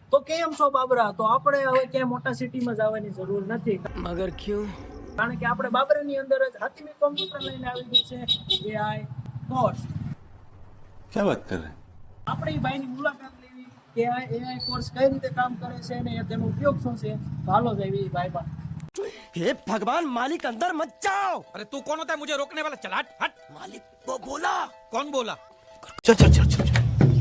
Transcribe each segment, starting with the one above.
તો કેમ છો બાબરા? તો આપણે હવે ક્યાંય મોટા સિટીમાં જવાની જરૂર નથી. मगर क्यों? કારણ કે આપણે બાબરાની અંદર જ હાથીમી કોમ્પ્યુટર લઈને આવી ગયું છે એઆઈ કોર્સ. क्या बात कर रहे हैं? આપણે એ ભાઈની મુલાકાત લેવી કે આ એઆઈ કોર્સ કઈ રીતે કામ કરે છે અને તેનો ઉપયોગ શું છે. તો હાલો જઈએ એ ભાઈ પાસે. हे भगवान मालिक अंदर मत जाओ। अरे तू कौन होता है मुझे रोकने वाला? चल हट हट। मालिक वो बोला। कौन बोला? चल चल चल चल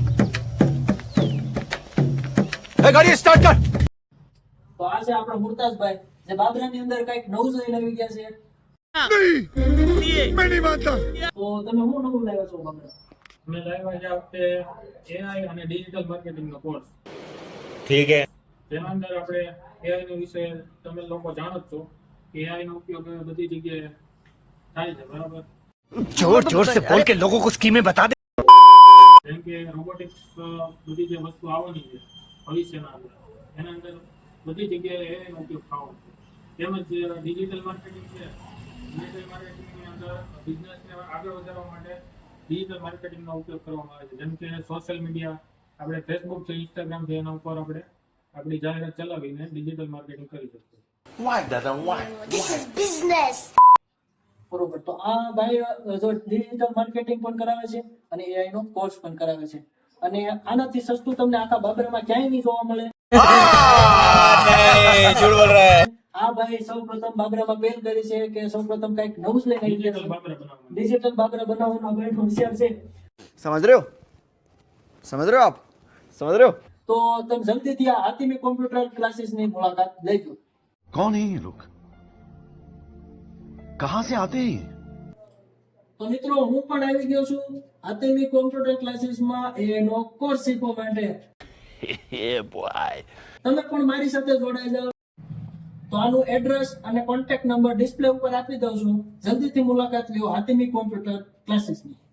ए, गाड़ी स्टार्ट कर। તો આ છે આપણા મુરતાજભાઈ જે બાબરાની અંદર કઈક નવું લઈને આવી ગયા છે. मैं नहीं मानता। તો તમે શું નવું લાવ્યા છો બાબરા? મેં લાવ્યા છે આ વખતે એઆઈ અને ડિજિટલ માર્કેટિંગનો કોર્સ. ठीक है। જેના અંદર આપણે એઆઈ નો વિશે તમે લોકો જાણો જ છો કે એઆઈ નો ઉપયોગ બધી જગ્યાએ થાય છે, બરાબર? जोर जोर से बोल के लोगों को स्कीमें बता दे। જેમ કે રોબોટિક્સ બધી જે વસ્તુ આવવાની છે ભવિષ્યના અંદર, એના અંદર બધી જગ્યાએ એઆઈ નો ઉપયોગ થવાનો છે. તેમજ ડિજિટલ માર્કેટિંગ છે. ડિજિટલ માર્કેટિંગની અંદર બિઝનેસને આગળ વધારવા માટે ડિજિટલ માર્કેટિંગનો ઉપયોગ કરવામાં આવે છે. જેમ કે સોશિયલ મીડિયા, આપણે ફેસબુક છે, ઇન્સ્ટાગ્રામ છે, એના ઉપર આપણે આપણી જાહેરાત ચલાવીને ડિજિટલ માર્કેટિંગ કરી શકીએ. Why दादा why? This is business. બરોબર. તો આ ભાઈ જો ડિજિટલ માર્કેટિંગ પણ કરાવે છે અને એઆઈ નો કોર્સ પણ કરાવે છે અને આનાથી સસ્તું તમને આખા બાબરામાં ક્યાંય નહીં જોવા મળે. झूठ बोल रहा है। આ ભાઈ સૌપ્રથમ બાબરામાં પહેલ કરી છે કે સૌપ્રથમ કઈક નવું જ લઈને આવી ડિજિટલ ગયા બાબરા છે. બનાવવાનું. ડિજિટલ બાબરા બનાવવાનો ભાઈ હોશિયાર છે. समझ रहे हो? समझ रहे हो आप? समझ रहे हो? તો તમે જલ્દીથી આ હાથીમી કોમ્પ્યુટર ક્લાસીસ ની મુલાકાત લેજો. कौन है ये लोग? कहाँ से आते हैं? તો મિત્રો હું પણ આવી ગયો છું હાથીમી કોમ્પ્યુટર ક્લાસીસમાં એનો કોર્સ શીખવા માટે. તમે પણ મારી સાથે જોડાઈ જાઓ. તો આનું એડ્રેસ અને કોન્ટેક્ટ નંબર ડિસ્પ્લે ઉપર આપી દઉં છું. જલ્દીથી મુલાકાત લ્યો હાથીમી કોમ્પ્યુટર ક્લાસીસની.